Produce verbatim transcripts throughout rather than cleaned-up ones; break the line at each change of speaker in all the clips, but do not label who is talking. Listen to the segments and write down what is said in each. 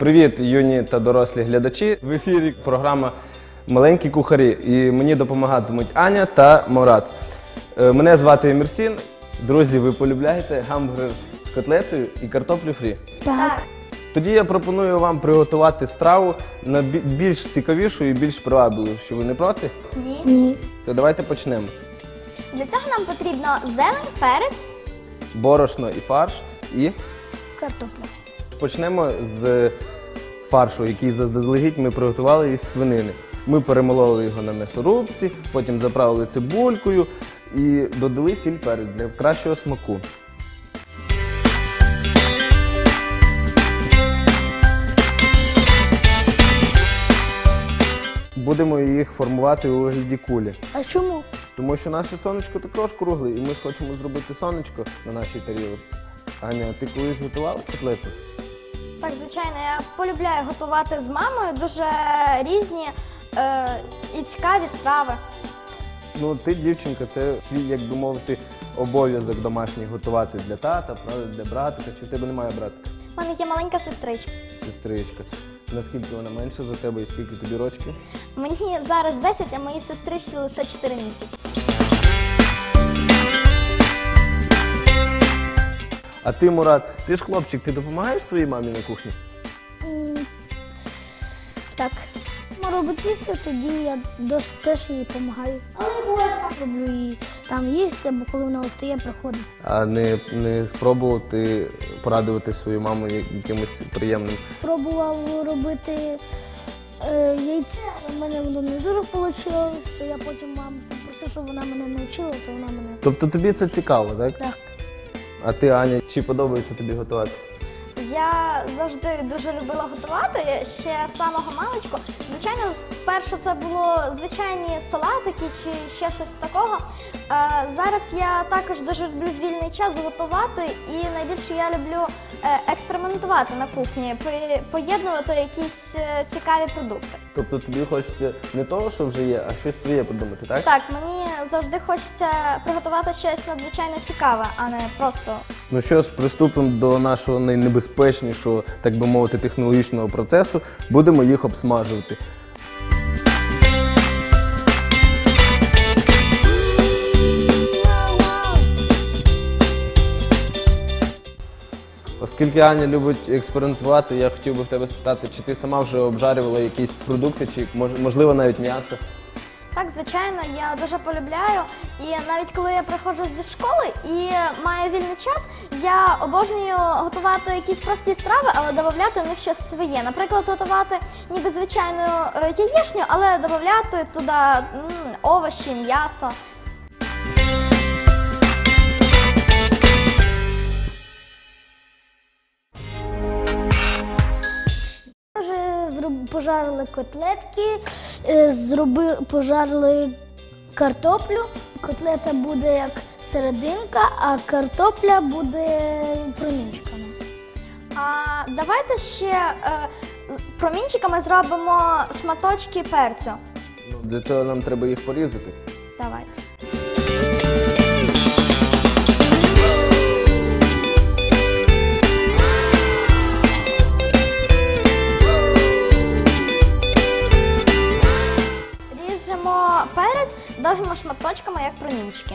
Привіт, юні та дорослі глядачі! В ефірі програма «Маленькі кухарі» і мені допомагатимуть Аня та Мурат. Мене звати Емірсін. Друзі, ви полюбляєте гамбургер з котлетою і картоплю фрі?
Так.
Тоді я пропоную вам приготувати страву на більш цікавішу і більш привабливу. Що ви не проти?
Ні.
Ні.
То давайте почнемо.
Для цього нам потрібно зелень, перець,
Борошно і фарш. І
Картопля.
почнемо з фаршу, який заздалегідь ми приготували із свинини. Ми перемололи його на м'ясорубці, потім заправили цибулькою і додали сіль, перець для кращого смаку. Будемо їх формувати у вигляді кулі.
А чому?
Тому що наше сонечко також кругле, і ми ж хочемо зробити сонечко на нашій тарілочці. Аня, ти колись готувала котлету?
Так, звичайно, я полюбляю готувати з мамою дуже різні е, і цікаві страви.
Ну, ти, дівчинка, це твій, як би мовити, обов'язок домашній готувати для тата, правда, для братика. Чи в тебе немає братика?
У мене є маленька сестричка.
Сестричка. Наскільки вона менша за тебе і скільки тобі рочків?
Мені зараз десять, а моїй сестричці лише чотири місяці.
А ти, Мурат, ти ж хлопчик, ти допомагаєш своїй мамі на кухні?
М, Так. Мама робить їсти, тоді я дос- теж їй допомагаю. Але буває сам роблю їй там їсти, або коли вона встає, приходить.
А не, не спробувати порадувати свою маму я- якимось приємним?
Пробував робити е, яйце, але в мене воно не дуже вийшло, то я потім маму попросив, щоб вона мене навчила, то вона мене.
Тобто тобі це цікаво, так?
Так.
А ти, Аня, чи подобається тобі готувати?
Я завжди дуже любила готувати, ще з самого маличку. Звичайно, спершу це було звичайні салатики чи ще щось такого. Е, Зараз я також дуже люблю в вільний час готувати, і найбільше я люблю е, експериментувати на кухні, пи- поєднувати якісь е, цікаві продукти.
Тобто тобі хочеться не того, що вже є, а щось своє придумати, так?
Так, мені завжди хочеться приготувати щось надзвичайно цікаве, а не просто.
Ну що ж, приступимо до нашого найнебезпечнішого, так би мовити, технологічного процесу. Будемо їх обсмажувати. Оскільки Аня любить експериментувати, я хотів би в тебе спитати, чи ти сама вже обжарювала якісь продукти, чи мож- можливо навіть м'ясо?
Так, звичайно, я дуже полюбляю. І навіть коли я приходжу зі школи і маю вільний час, я обожнюю готувати якісь прості страви, але додати в них щось своє. Наприклад, готувати ніби звичайну е, яєчню, але додати туди м, овочі, м'ясо.
Вже зроб- пожарили котлетки, е, зроби, пожарили картоплю. Котлета буде як серединка, а картопля буде промінчиками.
А давайте ще е, промінчиками зробимо шматочки перцю.
Ну, для цього нам треба їх порізати.
Давайте. Ріжемо перець довгими шматочками, як промінчики.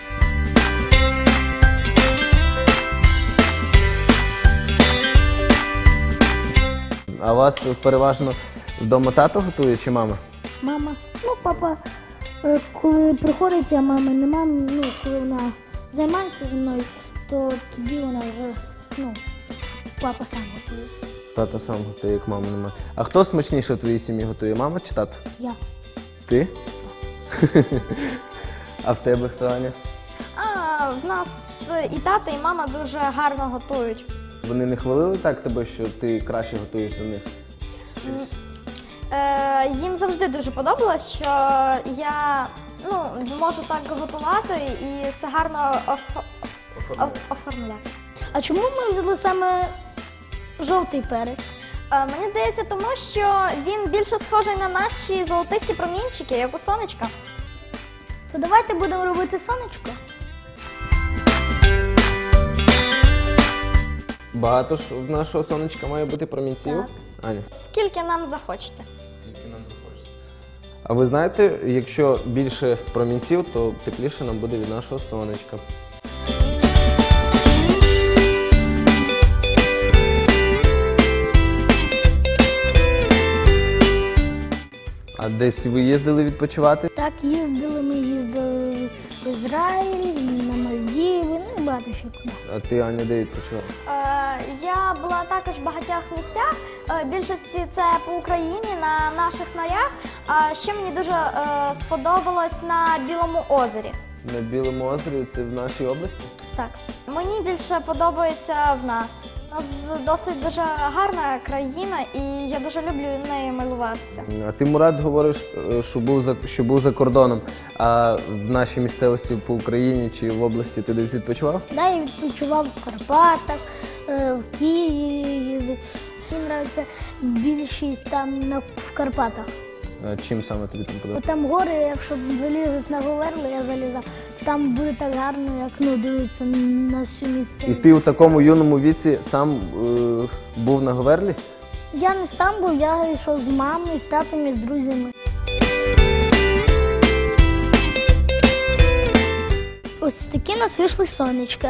А у вас переважно вдома тато готує чи мама?
Мама, ну папа, е, коли приходить, а мами нема, ну коли вона займається зі мною, то тоді вона вже, ну, папа сам готує.
Тато сам готує, як мама немає. А хто смачніше в твоїй сім'ї готує, мама чи тато?
Я.
Ти? А в тебе хто, Аня?
А, в нас і тато, і мама дуже гарно готують.
Вони не хвалили так тебе, що ти краще готуєш за них?
Е, їм завжди дуже подобалось, що я ну, можу так готувати і все гарно оф- оф- оформляти.
А чому ми взяли саме жовтий перець?
Е, мені здається, тому що він більше схожий на наші золотисті промінчики, як у сонечка.
То давайте будемо робити сонечко.
Багато ж в нашого сонечка має бути промінців?
Так.
Аня?
Скільки нам захочеться.
А ви знаєте, якщо більше промінців, то тепліше нам буде від нашого сонечка. А десь ви їздили відпочивати?
Так, їздили, ми їздили в Ізраїль, на Мальдіви, ну і багато ще куди.
А ти, Аня, де відпочивала?
Е, Я була також в багатьох місцях. Е, Більшості це по Україні, на наших морях. А ще мені дуже е, сподобалось на Білому озері.
На Білому озері, це в нашій області?
Так. Мені більше подобається в нас. У нас досить дуже гарна країна, і я дуже люблю нею милуватися.
А ти, Мурат, говориш, е, що був за, що був за кордоном, а в нашій місцевості по Україні чи в області ти десь відпочивав?
Да, я відпочивав в Карпатах, е, в Києві їздив. Мені подобається більшість там на, в Карпатах.
А чим саме тобі там
Бо
подобається?
там гори, якщо залізеш на Говерло, я залізав, то там буде так гарно, як ну, дивитися на всю
І
місцевість.
ти у такому юному віці сам е, був на Говерлі?
Я не сам був, я йшов з мамою, з татом і з друзями. Ось такі у нас вийшли сонечка.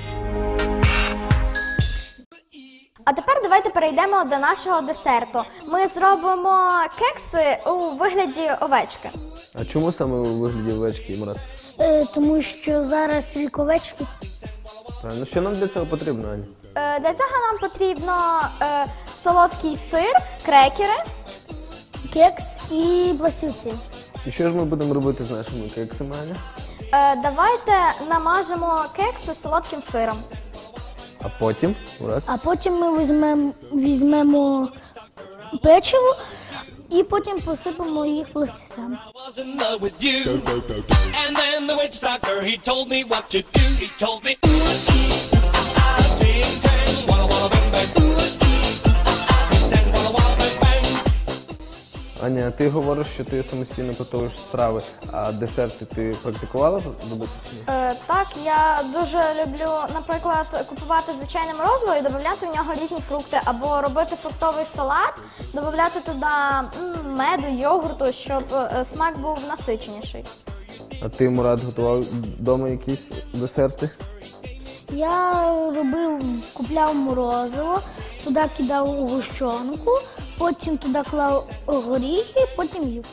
А тепер давайте перейдемо до нашого десерту. Ми зробимо кекси у вигляді овечки.
А чому саме у вигляді овечки, Мурат?
Е, тому що зараз рік овечки.
Ну що нам для цього потрібно, Аня?
Е, Для цього нам потрібно е, солодкий сир, крекери.
Кекс і пластівці.
І що ж ми будемо робити з нашими кексами, Аня?
Е, Давайте намажемо кекси солодким сиром.
А потім, Мурат?
А потім ми візьмемо, візьмемо печиво і потім посипемо їх пластівцями.
was in love with you. And then the witch doctor, he told me what to do. He told me, ooh, ee, ah, ah, ting, tang, walla, walla, bang, bang. Ooh, ee, ah, ah, ting, tang, walla, walla, bang, bang.
Аня, ти говориш, що ти самостійно готуєш страви, а десерти ти практикувала робити чи ні?
Е, Так, я дуже люблю, наприклад, купувати звичайне морозиво і додати в нього різні фрукти, або робити фруктовий салат, додати туди м, меду, йогурту, щоб е, смак був насиченіший.
А ти, Мурат, готував вдома якісь десерти?
Я робив, купляв морозиво, туди кидав гущонку, потім туди клав горіхи, потім їв.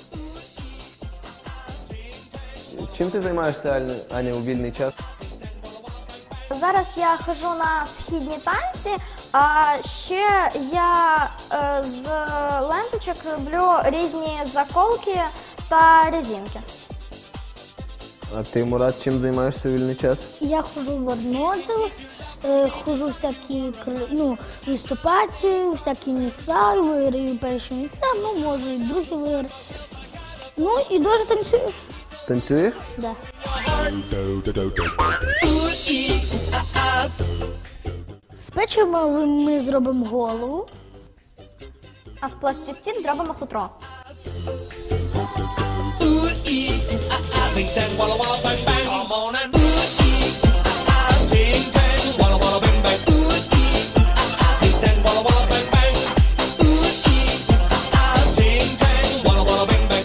Чим ти займаєшся, Аня, Аня, у вільний час?
Зараз я ходжу на східні танці, а ще я е, з ленточок роблю різні заколки та резинки.
А ти, Мурат, чим займаєшся у вільний час?
Я ходжу в Арнодилс, е, ходжу в всякі кр- ну, виступати, у всякі місця, і виграю перші місця, ну, може, і другі виграю. Ну, і дуже танцюю.
Танцюєш?
Да. З печива ми- ми зробимо голову.
А з пластівців зробимо хутро.
Ooh, ee, ah, ah, ting, tang, walla, walla, bang, bang. Come on and ooh, ee, ah, ah, ting, tang, walla, walla, bang, bang. Ooh, ee, ah, ah, ting, tang, walla, walla, bang, bang. Ooh, ee, ah, ah, ting, tang, walla, walla, bang, bang.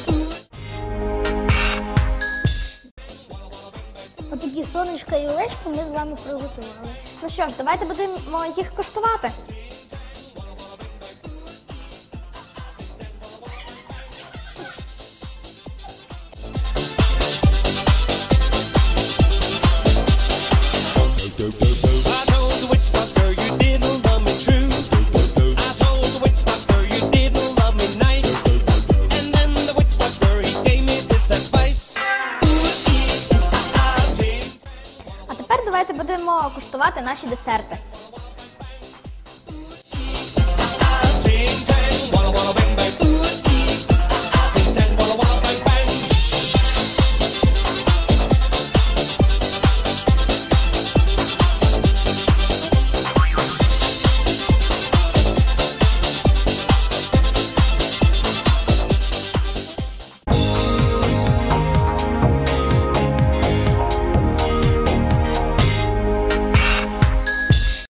Отакі сонечка і овечки ми з вами приготували.
Ну що ж, давайте будемо їх коштувати.
I told the witch doctor you didn't love me true. I told the witch doctor you didn't love me nice. And then the witch doctor, he gave me this advice. Ooh, ee, ah, ah, ting.
А тепер давайте будемо куштувати наші десерти.